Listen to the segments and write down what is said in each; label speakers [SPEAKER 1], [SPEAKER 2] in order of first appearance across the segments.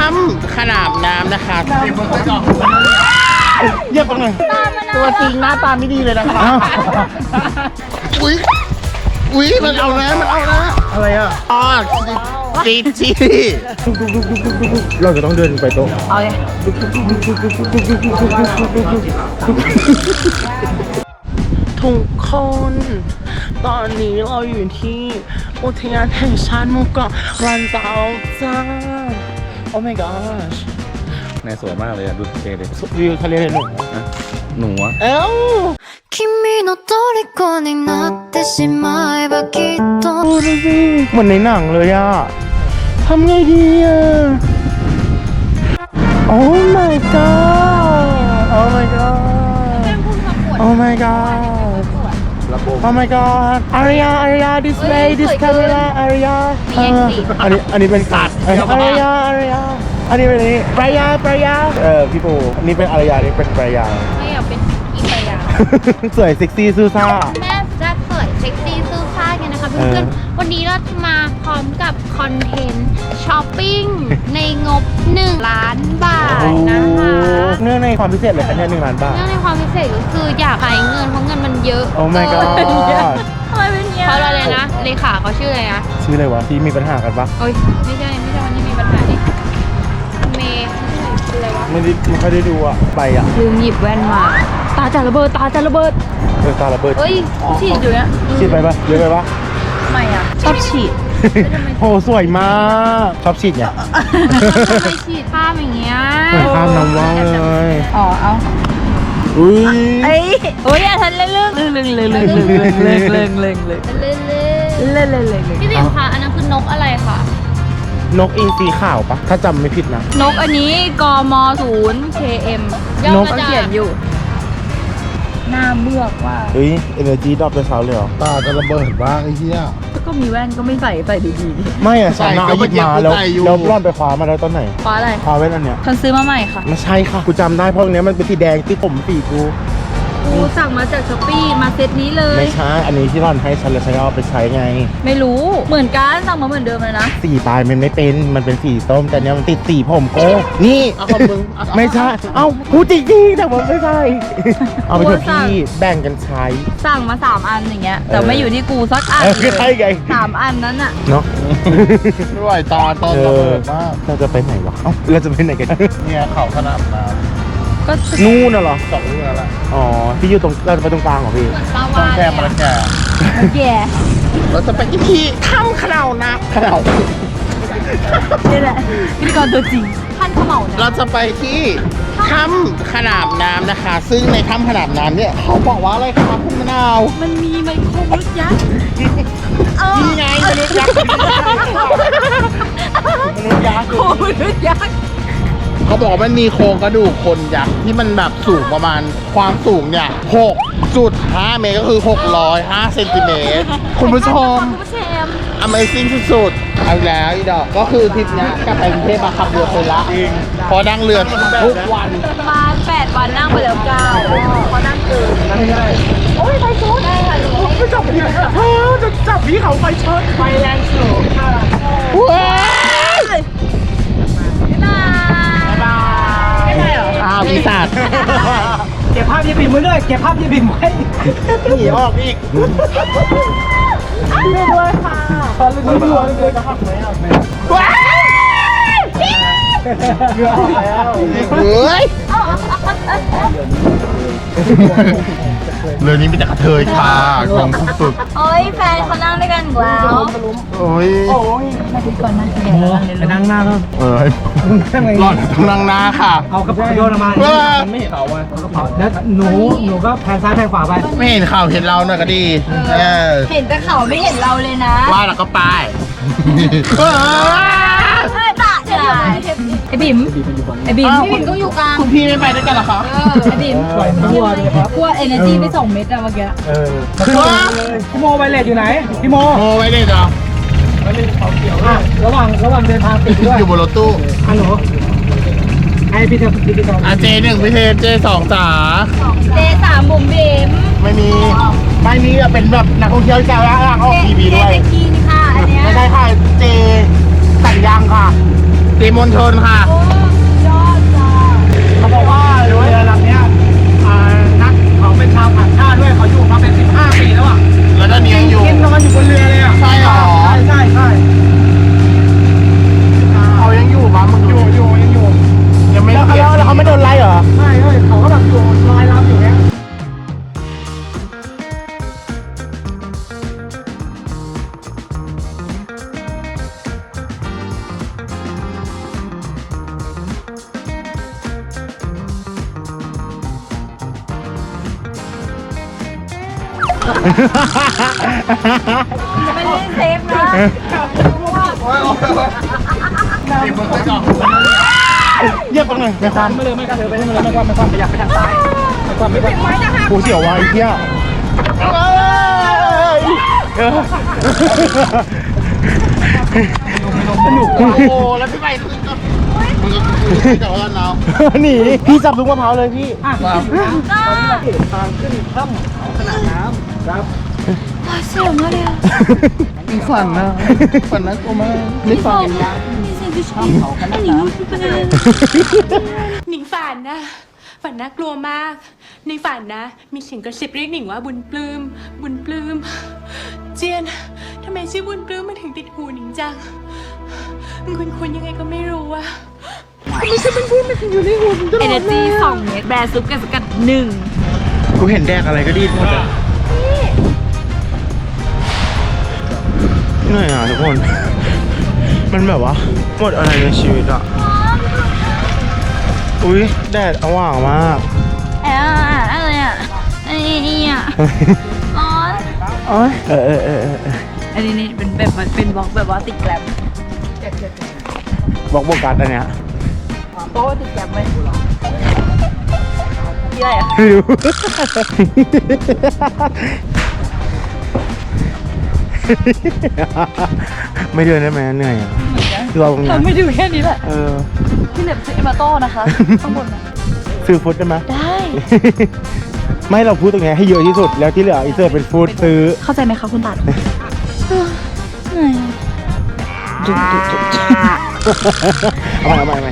[SPEAKER 1] ถ้ำขนาบน้ำนะคะเยี่ยมตรงไหนตัวจริงหน้าตาไม่ดีเลยนะคะอุ้ยมันเอาแล้วอะไรอ่ะอ๋อจีเราจะต้องเดินไปโต๊ะเอาเลยทุกคนตอนนี้เราอยู่ที่อุทยานแห่งชาติหมู่เกาะลันเตาจ้า โอ้ my gosh
[SPEAKER 2] นายสวยมากเลยอะดูเท่เลย
[SPEAKER 1] วิวทะเลหนู
[SPEAKER 2] หนูอะ
[SPEAKER 1] เอ้า
[SPEAKER 3] 君の虜になってしまえばきっと
[SPEAKER 1] ดูสิเหมือนในหนังเลยอ่ะทำไงดีอ่ะ Oh my god Oh my god Oh my god Oh my god อารยา this way this camera อารยาอันนี้เป็นสัตว์อารยาอันนี้เป็นนี้ปรายาพี่ปูอันนี้เป็นอารยานี่เป็นปรายา
[SPEAKER 4] ไม่อยากเป็นอีปายา
[SPEAKER 1] สวยเซ็กซี่ซูซ่า
[SPEAKER 4] แม่จะสวยเซ็กซี่สู้ซ่ากันนะคะเพื่อนๆวันนี้เราจะมาพร้อมกับคอนเทนต์ช้อปปิ้งในงบ1 ล้านบาทนะคะ
[SPEAKER 1] เนื่องในความพิเศษเลยคะเนี่ย1 ล้านบาท
[SPEAKER 4] เนื่องในความพิเศษก็คืออยากขายเงินเพราะเงินมันเยอะ
[SPEAKER 1] Oh my god
[SPEAKER 4] ทำไมเป็นเงี้ยเพราะอะไรนะเลขาเขาชื่ออะไรนะ
[SPEAKER 1] ชื่ออะไรวะที่มีปัญหากันปะ
[SPEAKER 4] โอ้ยไม่ใช่วันนี้มีปัญหาดิเมย์ชื่ออะไรวะ
[SPEAKER 1] ไม่ค่อยได้ดูอ่ะไปอ่ะ
[SPEAKER 4] ลืมหยิบแว่นมาตาจะระเบิด
[SPEAKER 1] ตาระเบิด
[SPEAKER 4] เอ้ยฉีดอยู่เนี่ย
[SPEAKER 1] ฉีดไปปะเยอะไปปะ
[SPEAKER 4] ไม่อ่ะชอบฉีด
[SPEAKER 1] โหสวยมากชอบฉีดไง
[SPEAKER 4] ทำไมฉีดข้ามอย่างเงี้ย
[SPEAKER 1] เหมือนข้ามน้ำว่าวเลย
[SPEAKER 4] อ๋อเอา
[SPEAKER 1] อุ้ย
[SPEAKER 4] โอ้ยอย่าทันเรื่องพี่ติ๋มคะอันนั้นคือนกอะไรคะ
[SPEAKER 1] นกอินทรีขาวปะถ้าจำไม่ผิดนะ
[SPEAKER 4] นกอันนี้กม0 KM ย่อมาจากเขียนอยู่หน้าเมือกว่า
[SPEAKER 1] เฮ้ย energy ดรอปไปเช้าเลยเหรอตาจะระเบิดบ้างไอ้เหี้ย
[SPEAKER 4] ก็มีแว่นก็ไม่ใส่ดี
[SPEAKER 1] ๆไม่อะฉันเอาหยิบมาแล้วร่อนไปคว้ามาแล้วตอนไหน
[SPEAKER 4] คว้าอะไร
[SPEAKER 1] คว้าแว่นอันเนี้ย
[SPEAKER 4] ฉันซื้อมาใหม่ค่ะ
[SPEAKER 1] ไม่ใช่ค่ะกูจำได้เพราะอันเนี้ยมันเป็นสีแดงที่ผมสีกู
[SPEAKER 4] สั่งมาจากช้อปปี้มาเซตนี้เลย
[SPEAKER 1] ไม่ใช่อันนี้ที่ร่อนให้ฉันเลยฉันเอาไปใช้ไง
[SPEAKER 4] ไม่รู้เหมือนกันสั่งมาเหมือนเดิมเลยนะ
[SPEAKER 1] สีปลายมันไม่เป็นมันเป็นสีส้มแต่เนี้ยมันติดสีผมโก้นี่เอาของมึงไม่ใช่เอาพูดจริงๆแต่ว่าไม่ใช่เอาไปเถอะพี่แบ่งกันใช้
[SPEAKER 4] สั่งมา3 อันอย่างเงี้ยแต่ไม่อยู่ที่กูสักอัน
[SPEAKER 1] ใช่ไง
[SPEAKER 4] 3 อันนั้นอะ
[SPEAKER 1] เนาะ
[SPEAKER 2] ไม่ไหวตอนระเบิดมาก
[SPEAKER 1] เราจะไปไหนวะเราจะไปไหนกัน
[SPEAKER 2] เนี่ยเขาขนาดน้ำ
[SPEAKER 4] ก็
[SPEAKER 1] นู่นน่ะเหรอ
[SPEAKER 2] 2 เรื่องแล้ว
[SPEAKER 1] อ๋อพี่อยู่ตรงเราจะไปตรงกลางเหรอพี่
[SPEAKER 2] ต้องแค่มาแก่
[SPEAKER 4] แย่
[SPEAKER 1] เราจะไปที่ถ้ำขนาวนะขนาว
[SPEAKER 4] นี่แหละพิธีกรตัวจริงท่านขมาวนะ
[SPEAKER 1] เราจะไปที่ถ้ำขนาบน้ำนะคะซึ่งในถ้ำขนาบน้ำเนี่ยเขาบอกว่าอะไรครับคุณมะนาว
[SPEAKER 4] มันมีไมโครมนุษย์ยักษ์
[SPEAKER 1] นี่ไงมนุษย์ยักษ์มนุษย์ยักษ์เขาบอกมันมีโครงกระดูกคนยักษ์ที่มันแบบสูงประมาณความสูงเนี่ย6.5 เมตรก็คือ605 เซนติเมตรคุณผู้ชม Amazing สุดๆเอาแล้วอีดอกก็คือทริปนี้กลับไปกรุงเทพมาขับเรือคนละจริงพอนั่งเรือทุกวัน
[SPEAKER 4] มา8 วันนั่งไปแล้ว9พอนั่งเกินโอ้ยไฟช็อตได้ค่ะจะจับพี่จะจับพี่เขาไฟช็อตไฟแรงสูงค่ะ
[SPEAKER 1] ว้าวปีศาจ
[SPEAKER 5] เก็บภาพยี่ปิ่มไว้ด้วยเก็บภาพยี่ปิ่มไว้
[SPEAKER 1] หนีออกอีก
[SPEAKER 4] ด้วยค่ะ
[SPEAKER 5] ตอนนี้ดูเลยจะหักไหมอ่ะ
[SPEAKER 1] ว้าว
[SPEAKER 5] เรือออกแล้ว
[SPEAKER 1] เฮ้ยเรือนี้มีแต่กระเทยค่ะงงสุด
[SPEAKER 4] โอ้ยแฟนเขานั่งด้วยกันแล้ว
[SPEAKER 1] โอ้ย
[SPEAKER 4] มาดูก่อนนะ
[SPEAKER 5] ไปนั่งหน้าแล้ว
[SPEAKER 1] หล่อนต้องนั่งหน้าค่ะ
[SPEAKER 5] เอากระเป๋าโยนมาไม่เห็นเขากระเป๋าแล้วหนูก็แพนซ้ายแพนขวาไป
[SPEAKER 1] ไม่เห็นเขาเห็นเราหน่อยก็ดี
[SPEAKER 4] เห็นแต่เขาไม่เห็นเราเลยนะ
[SPEAKER 1] ว่าแล้วก็ไป
[SPEAKER 4] ไอ้บิ่มพี่บิ่มก็อยู่กลาง
[SPEAKER 1] คุณพี่ไม่ไปด้วยกันหรอคะ
[SPEAKER 4] ไอ้บิ่มกลัว energy ไป2 เม็ดอะเมื่อกี้
[SPEAKER 5] พี่โมไวเลสอยู่ไหนพี่โม
[SPEAKER 1] ไวเลสเหรอ
[SPEAKER 5] ไวเลสเขาเขียวระหว่างเดินทางติดด้วย
[SPEAKER 1] อยู่บนรถตู้
[SPEAKER 5] ฮัลโหลไอพี่เจพี่
[SPEAKER 1] J1 พี่เทJ2 จ๋า
[SPEAKER 4] J3 บุ๋มบิ่ม
[SPEAKER 1] ไม่มีอะเป็นแบบนักท่องเที่ยวจะร่างออกทีวีด้วย
[SPEAKER 4] J ค่ะอันเนี้ย
[SPEAKER 1] ไม่ใช่ค่ะเจสัญญางค่ะเจมณฑลค่ะ
[SPEAKER 4] โอ้ไม่ได้เซฟนะ
[SPEAKER 1] เยี่ยมตรงไหนไม่ความ
[SPEAKER 5] ไม่เลยไม่กล้าเธอไปไม่เลยไม่ความไปอยากไปทางซ้ายไม่ความ
[SPEAKER 1] กูเสียววะไอ้เหี้ยสนุกโอ้โหแล้วพี่ใหม่มึงก็จับแล้วเนาะหนีพี่จับลูกมะพร้าวเลยพี่
[SPEAKER 5] ทางขึ้นถ้ำขนาดน้ำครับ
[SPEAKER 1] มีฝันนะฝันนะกูมาไม่ฝัน
[SPEAKER 6] หนิงฝันนะ ฝันน่ากลัวมาก ในฝันนะ มีเสียงกระซิบเรียกหนิงว่าบุญปลื้ม บุญปลื้ม เจียนทำไมชื่อบุญปลื้มมันถึงติดหูหนิงจังคุณยังไงก็ไม่รู้อะ
[SPEAKER 4] เอเนจี2 เม็ดแบรซุปกับสกัด1
[SPEAKER 1] กูเห็นแดกอะไรก็ดีหมดเลยเหนื่อยอ่ะทุกคน มันแบบว่าหมดอะไรในชีวิตอ่ะ อุ้ยแดดอว่างมาก
[SPEAKER 4] อะไรอ่ะอันนี้อ่ะร้อน อันนี้เป็นแบบเป็นบล็อกแบบว่าติดแกลม
[SPEAKER 1] บอกโบกัสอันเนี้ย
[SPEAKER 4] โต๊ะติดแกลมไหมนี่อะไรอ่ะ
[SPEAKER 1] ไม่รู้ ไม่เดินได้ไหมเหนื่อยอ่ะรอตรงนี้
[SPEAKER 4] เราไม่ดูแค่นี้แหละ
[SPEAKER 1] ที่
[SPEAKER 4] เหน็บซื้อมาโต้นะคะข้างบนนะ
[SPEAKER 1] ซื้อฟุตได้ไหม
[SPEAKER 4] ได้
[SPEAKER 1] ไม่เราพูดตรงนี้ให้เยอะที่สุดแล้วที่เหลืออีเซอร์เป็นฟู้ดซื้อ
[SPEAKER 4] เข้าใจไหมคะคุณตัดเหนื่อย
[SPEAKER 1] เอาใหม่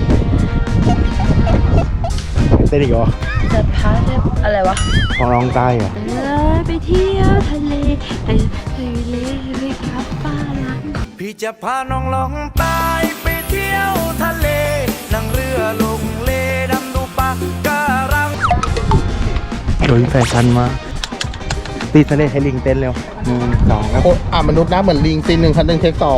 [SPEAKER 1] เต้นอีกเหรอ
[SPEAKER 4] จะพาอะไรวะ
[SPEAKER 1] ของร้องใต้เหรอ
[SPEAKER 4] ไปเที่ยวทะเลไปกับฟ้าลัง
[SPEAKER 7] พี่จะพาน้องลองใต้ไปเที่ยวทะเล นั่งเรือลงเลดำดูปะการัง
[SPEAKER 1] โดยแฟชั่นมากตีทะเลให้ลิงเต้นเร็ว1 2แล้วมนุษย์นะเหมือนลิงตี1 คัน 1 เทค 2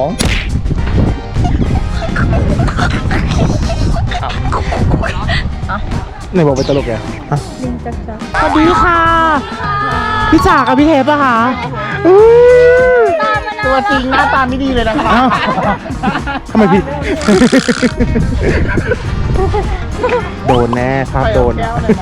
[SPEAKER 1] ไหนบอกเป็นตลกแกลิงจักจักสวัสดีค่ะ พี่จ๋ากับพี่เทปอะค่ะตัวจริงหน้าตาไม่ดีเลยนะคะทำไมผิด โดนแน่ภาพโดน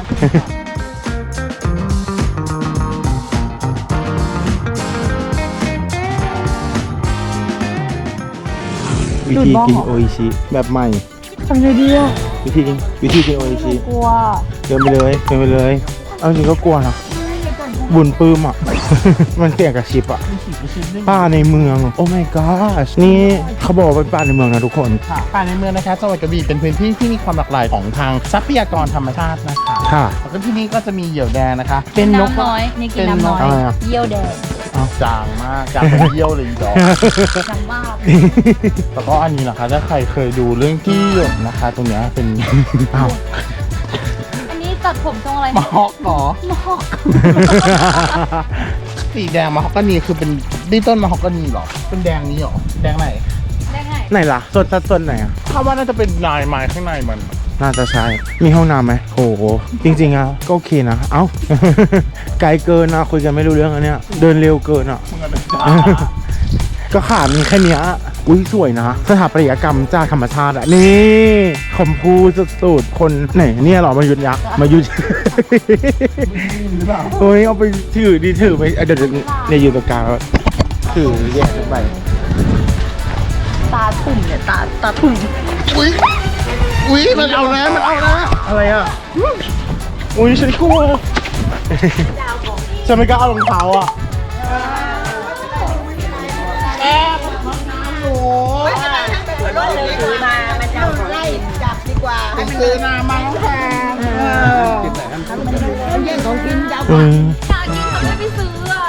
[SPEAKER 1] วิธีกินโออิชิแบบใหม่ทำไงดีอ่ะวิธีกินโออิชิกลัวเดินไปเลยเอาจริงก็กลัวนะบุญปื้มอ่ะ มันเสี่ยงกับชิปอ่ะป่าในเมืองโอ้ my god นี่เขาบอกว่าเป็นป่าในเมืองนะทุกคนป่าในเมืองนะคะจังหวัดกระบี่เป็นพื้นที่ที่มีความหลากหลายของทางทรัพยากรธรรมชาตินะคะค่ะแล้วก็ที่นี่ก็จะมีเหยี่ยวแดงนะคะเป็นนก
[SPEAKER 4] น้ำน้อยนี่กินน้ำน้อย
[SPEAKER 1] อะไรอ่ะ
[SPEAKER 4] เยี่ยวแดง
[SPEAKER 1] จางมากจางเป็นเยี่ยวเลยอีดอก
[SPEAKER 4] จังมาก
[SPEAKER 1] แล้วก็อันนี้นะคะถ้าใครเคยดูเรื่องที่หยดนะคะ ตรงเนี้ยเป็น อ้าว
[SPEAKER 4] อันนี้ตัดผมทรงอะไร
[SPEAKER 1] มะฮอกเหรอ
[SPEAKER 4] มะฮอก
[SPEAKER 1] สีแดงมะฮอกกานีคือเป็นดิต้นมะฮอกกานีเหรอเป็นแดงนี้เหรอแดงไหน
[SPEAKER 4] ได้ไง
[SPEAKER 1] ไหนล่ะส่วนไหนอ่ะถ้าว่าน่าจะเป็นลายไม้ข้างในมัน น่าจะใช่มีห้องน้ำไหมโหจริงๆอ่ะก็โอเคนะเอ้า ไกลเกินนะคุยกันไม่รู้เรื่องอันเนี้ยเดินเร็วเกินอ่ะ ก็ขามีแค่เนี้ยอุ้ยสวยนะสถาปัตยกรรมจากธรรมชาติอ่ะนี่คอมพูสุดๆคนไหนเนี่ยเหรอมายุดยักษ์มายุดโอ้ยเอาไปถือดีถือไปเดี๋ยวเนี่ยอยู่ตรงกลางแล้วถือแยกขึ้นไป
[SPEAKER 4] ตาตุ่มเนี่ยตาตุ่ม
[SPEAKER 1] อุ้ยมันเอานะอะไรอ่ะอุ้ยฉันกลัวฉันไม่กล้าเอารองเท้าอ่ะซื้อมามันแพง
[SPEAKER 4] อยากกินเขาไม่ไปซื้ออ่ะ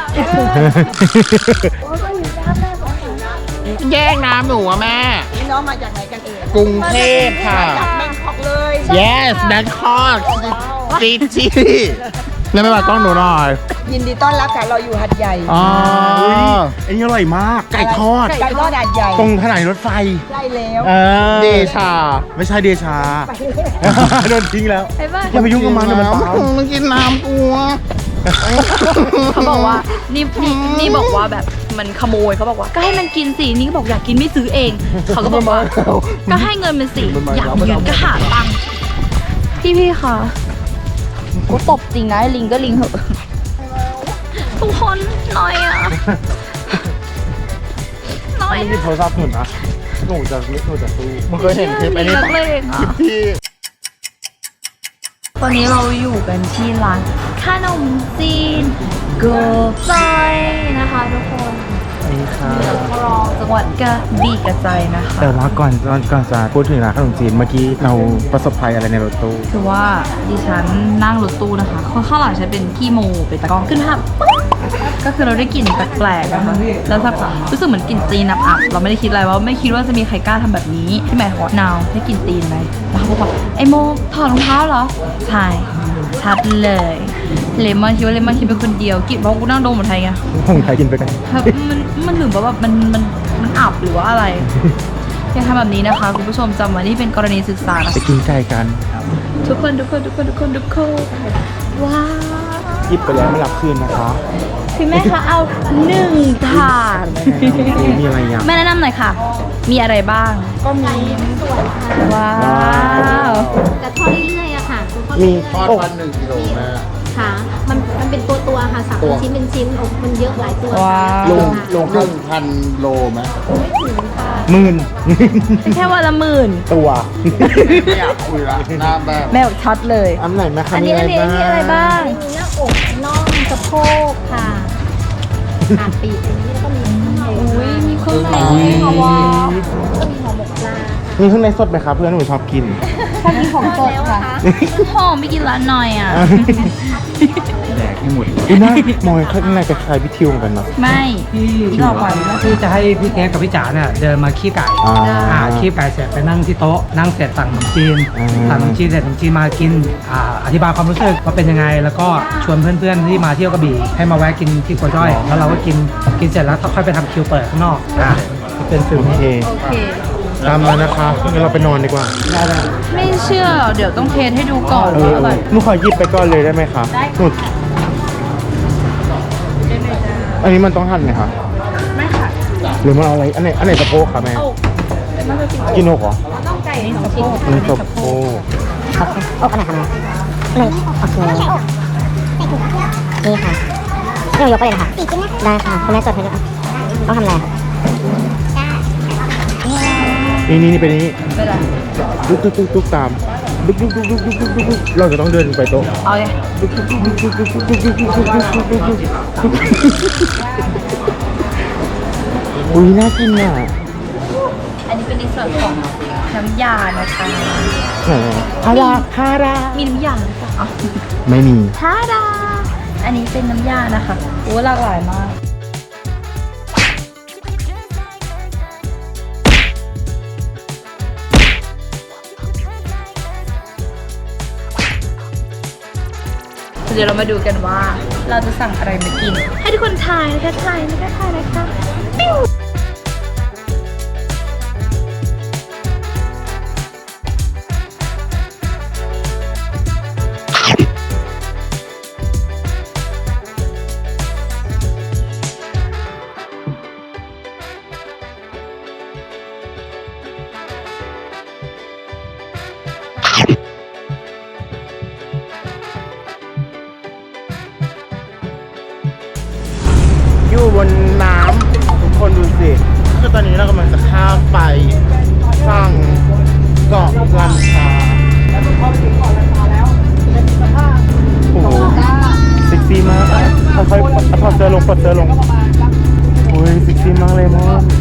[SPEAKER 1] แย่งน้ำหนูอะแม่
[SPEAKER 8] นี่น้องมาจากไหนกันเอ่ย
[SPEAKER 1] กรุงเทพค่ะ
[SPEAKER 8] จากแบงคอกเลย
[SPEAKER 1] yes Bangkok City แล้วไม่มากล้องหนูหน่อย
[SPEAKER 8] ยินดีต้อนรับค่ะเราอยู่หัดใหญ่
[SPEAKER 1] อ๋ออันนี้อร่อยมาก ไก่ทอด
[SPEAKER 8] ไก่ทอดหัดใหญ่
[SPEAKER 1] ตรงถนนรถไฟ
[SPEAKER 8] ใช่แล้ว
[SPEAKER 1] เดชา ไม่ใช่เดชา โดนทิ้งแล้ว
[SPEAKER 4] ไปบ้าน
[SPEAKER 1] อย่าไปยุ่งกับมันเดี๋ยวมันตามมันกินน้ำกลัว
[SPEAKER 9] เขาบอกว่านี่บอกว่าแบบมันขโมยเขาบอกว่าก็ให้มันกินสินี่ก็บอกอยากกินไม่ซื้อเอง เขาก็บอกว่าก็ให้เงินมันสิอยากยืนก็หาตังค์พี่คะกูตบจริงนะลิงก็ลิงเหอะทุกคนหน่อยอ่ะหน่อย
[SPEAKER 2] ไม่มีโทรศัพท์หนุนนะหนูจะสู้
[SPEAKER 1] มึงเคยเห็นคลิปไอ้นี่
[SPEAKER 9] นัก
[SPEAKER 1] ปะ
[SPEAKER 9] เลง
[SPEAKER 1] คลิ
[SPEAKER 9] อ่ะ
[SPEAKER 1] ปที่
[SPEAKER 9] วันนี้เราอยู่กันที่ร้านขนมจีนเกอร์ใจนะคะทุกคน
[SPEAKER 2] นี่ค่ะ
[SPEAKER 9] เมืองรองจังหวัดกระบี่กระใจนะคะ
[SPEAKER 2] แต่ว่าก่อนจะพูดถึงร้านขนมจีนเมื่อกี้เราประสบภัยอะไรในรถตู้
[SPEAKER 9] คือว่าดิฉันนั่งรถตู้นะคะข้างหลังฉันเป็นพี่โมเป็นตากล้องขึ้นภาพปึ๊บก็คือเราได้กลิ่นแปลกๆนะคะแล้วสักพักรู้สึกเหมือนกลิ่นตีนอับๆเราไม่ได้คิดอะไรว่าไม่คิดว่าจะมีใครกล้าทำแบบนี้ที่หมายความว่านาวได้กลิ่นตีนไหมแล้วเขาบอกว่าไอโมถอดรองเท้าเหรอใช่ชัดเลยเลมอนคิดว่าเลมอนคิดเป็นคนเดียวกลิ่นเพราะกูนั่งดมหมดไทยไง
[SPEAKER 2] ผมไทยกินไปกัน
[SPEAKER 9] ครับมันถึงแบบมันอับหรือว่าอะไรอย่าทำแบบนี้นะคะคุณผู้ชมจำไว้นี่เป็นกรณีศึกษานะ
[SPEAKER 2] ไปกินไก่กัน
[SPEAKER 9] ทุกคนว้าว
[SPEAKER 2] หยิบไปแล้วไม่รับคืนนะคะ
[SPEAKER 9] พี่แม่คะเอา1 ถาด
[SPEAKER 2] มีอะไรอย่าง
[SPEAKER 9] แม่แนะนำหน่อยค่ะ มีอะไรบ้าง
[SPEAKER 4] ก็มีส่วนค่ะ
[SPEAKER 9] ว้าว
[SPEAKER 4] แต่ทอดเรื่อยๆอะค่ะทอด
[SPEAKER 2] มี
[SPEAKER 1] ทอดวัน1 กิโลแม่
[SPEAKER 4] ค่ะ มันเป็นตัวค่ะสับเป็นชิ้นเป็นชิ้นอกมันเยอะหลายตัว
[SPEAKER 9] ว้าว
[SPEAKER 1] ลง1,000 โลไหม
[SPEAKER 2] หมื่น
[SPEAKER 9] แค่วันละ10,000
[SPEAKER 2] ตัว
[SPEAKER 1] ไม่อยากคุยละหน้าแบบ
[SPEAKER 9] แม่บอกชัดเลย
[SPEAKER 2] อันไหนแม่คะ
[SPEAKER 9] อันนี้อะไรบ้าง
[SPEAKER 4] มีหน้าอกน่องสะโพกค่ะขาปีกอันนี้แล้วก็มีข้างใน
[SPEAKER 9] อุ้ยมีเครื่องใน
[SPEAKER 4] ค่ะ
[SPEAKER 9] ว้าว
[SPEAKER 4] ก็มีห่อหมกปลา
[SPEAKER 2] มีข้างในสดไหมคะเพื่อนหนูชอบกิน
[SPEAKER 9] ชอบกินของสดค่ะหอมไม่กินร้านหน่อยอ่ะ
[SPEAKER 2] แดกให้หมดอุ้ยน่ามองข้างในคล้ายๆพี่ทิวเหมือนกันเนาะ
[SPEAKER 9] ไม่
[SPEAKER 5] ที่ต่อไปที่จะให้พี่เค้กกับพี่จ๋าเนี่ยเดินมาขี้ไก่ ขี้ไก่เสร็จไปนั่งที่โต๊ะนั่งเสร็จสั่งขนมจีนสั่งขนมจีนเสร็จขนมจีนมากินอธิบายความรู้สึกว่าเป็นยังไง แล้วก็ชวนเพื่อนๆที่มาเที่ยวกระบี่ให้มาแวะกินที่กัวจ้อยแล้วเราก็กินเสร็จแล้วค่อยไปทำคิวเปิดข้างนอกเป็นฟิล
[SPEAKER 2] โอ
[SPEAKER 5] นี้
[SPEAKER 2] เค
[SPEAKER 9] โอเค
[SPEAKER 2] ตามมานะคะงั้นเราไปนอนดีกว่า
[SPEAKER 9] ไม่เชื่อหรอกเดี๋ยวต้องเทสให้ดูก่อนว่าอร่อย
[SPEAKER 2] หนูขอหยิบไปก่อนเลยได้ไหมคะหนูอันนี้มันต้องหั่นไหมคะ
[SPEAKER 9] ไม่ค่ะ
[SPEAKER 2] หรือมันเอาอะไร อันไหนสะโพกคะแม่ กินอกเหรอ
[SPEAKER 9] ต้องไก่ในสะโพก
[SPEAKER 2] อันนี้สะโพก
[SPEAKER 10] นี่ค่ะนี่ยกไปเลยค่ะได้ค่ะคุณแม่จดให้ด้วยต้องทำอะไรคะ
[SPEAKER 2] นี่ไปนี้
[SPEAKER 9] เป็นไร
[SPEAKER 2] ตุ๊กตามดุ๊กเราจะต้องเดินไปโต๊ะ
[SPEAKER 9] เอาเลย
[SPEAKER 2] อุ้ยน่ากินอ่ะ
[SPEAKER 9] อันนี้เป็นในส่วนของน้ำยานะคะ
[SPEAKER 2] ฮารา
[SPEAKER 9] มีน้ำยาหรือเปล่า
[SPEAKER 2] ไม่มี
[SPEAKER 9] ทาดาอันนี้เป็นน้ำยานะคะโอ้หลากหลายมากเดี๋ยวเรามาดูกันว่าเราจะสั่งอะไรมากิน ให้ทุกคนทายนะคะปิ้ว
[SPEAKER 2] อยู่บนน้ำทุกคนดูสิ คือตอนนี้เรากำลังจะข้ามไปฝั่งเกาะลันตาโอ้โหเซ็กซี่มากค่อยๆถอดเสื้อลงปลดเสื้อลงโอ้ยเซ็กซี่มากเลยมั้ง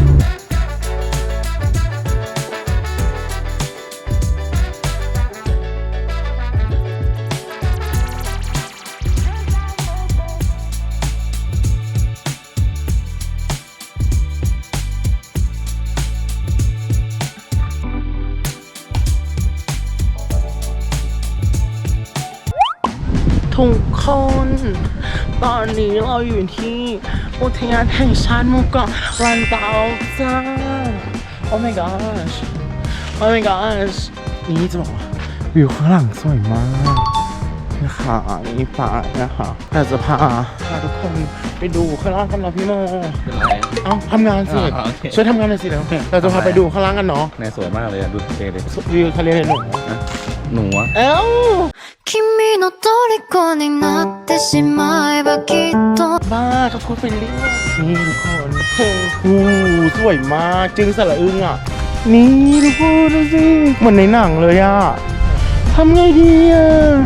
[SPEAKER 2] ทุกคนตอนนี้เราอยู่ที่อุทยานแห่งชาติหมู่เกาะลันเตาจ้า Oh my gosh Oh my gosh นี่จะบอกว่าวิวข้างหลังสวยมาก
[SPEAKER 1] นะคะนี่ป่านะคะแต่จะพาทุกคนไปดูข้างล่างกันเนาะพี่โมเอ้าทำงานสิช่วยทำงานหน่อยสิแล้วเราจะพาไปดูข้างล่างกันเนาะ
[SPEAKER 11] ในสวยมากเลยอะดูทะเลเลย
[SPEAKER 1] วิวทะเลเลยหนู
[SPEAKER 11] หนูอะ
[SPEAKER 1] เอ้า
[SPEAKER 3] 君の虜になってしまえばきっと
[SPEAKER 1] บ้าเขาพูดไปเรื่อยนี่ทุกคนโอ้สวยมากจึงสระอึ้งอ่ะนี่ทุกคนดูสิเหมือนในหนังเลยอ่ะทำไงดีอ่ะ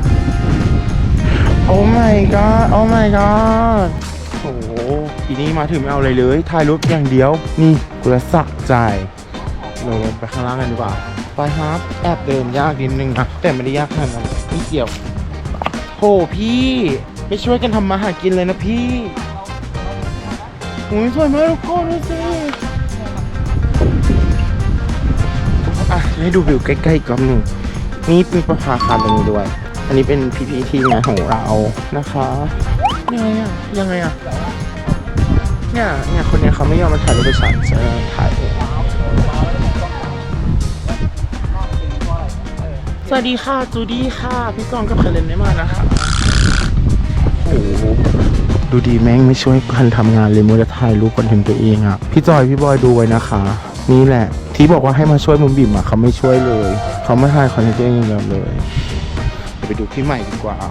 [SPEAKER 1] โอ้ my god โอ้ my god โอ้โหอีนี่มาถึงไม่เอาอะไรเลยถ่ายรูปอย่างเดียวนี่กูจะสะใจเราลงไปข้างล่างกันดีกว่าไปครับแอบเดินยากนิดนึงนะแต่ไม่ได้ยากขนาดนั้นไม่เกี่ยวโหพี่ไม่ช่วยกันทำมาหากินเลยนะพี่โอ้ยสวยมากทุกคนดูสิอ่ะให้ดูวิวใกล้ๆอีกรอบหนึ่งนี่เป็นประภาคารตรงนี้ด้วย อันนี้เป็นพี่ๆทีมงานของเรานะคะยังไงอ่ะเนี่ยคนเนี้ยเขาไม่ยอมมาถ่ายรูปกับฉันจะถ่ายเองสวัสดีค่ะจูดี้ค่ะพี่กองกับคาเรนได้มานะคะโอ้โหดูดีแม่งไม่ช่วยกันทำงานเลยมัวแต่ถ่ายรูปคอนเทนต์ตัวเองอ่ะพี่จอยพี่บอยดูไว้นะคะนี่แหละที่บอกว่าให้มาช่วยมุมบิ่มอ่ะเขาไม่ช่วยเลยเขาไม่ถ่ายคอนเทนต์ตัวเองอย่างเดียวเลยไปดูพี่ใหม่ดีกว่า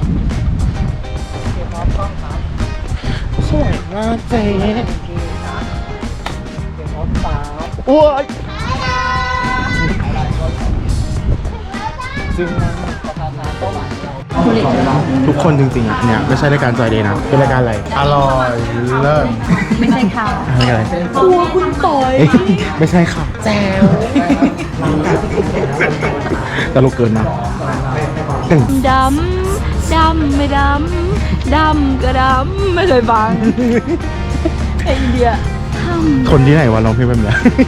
[SPEAKER 1] สวยมากเจ๊โอ้ยจริงทุกคนจริงๆอ่ะเนี่ยไม่ใช่รายการจอยเดย์นะเป็นรายการอะไรอร่อยเลิศ
[SPEAKER 9] ไม่ใช่ค่ะ
[SPEAKER 1] อะไรครัวคุณต่อยไม่ใช่ค่ะแจวตลกเกินนะ
[SPEAKER 9] ดำไม่ดำก็ดำไม่เคยฟังไอเดีย
[SPEAKER 1] คนที่ไหนวะร้องเพลงแบบนี้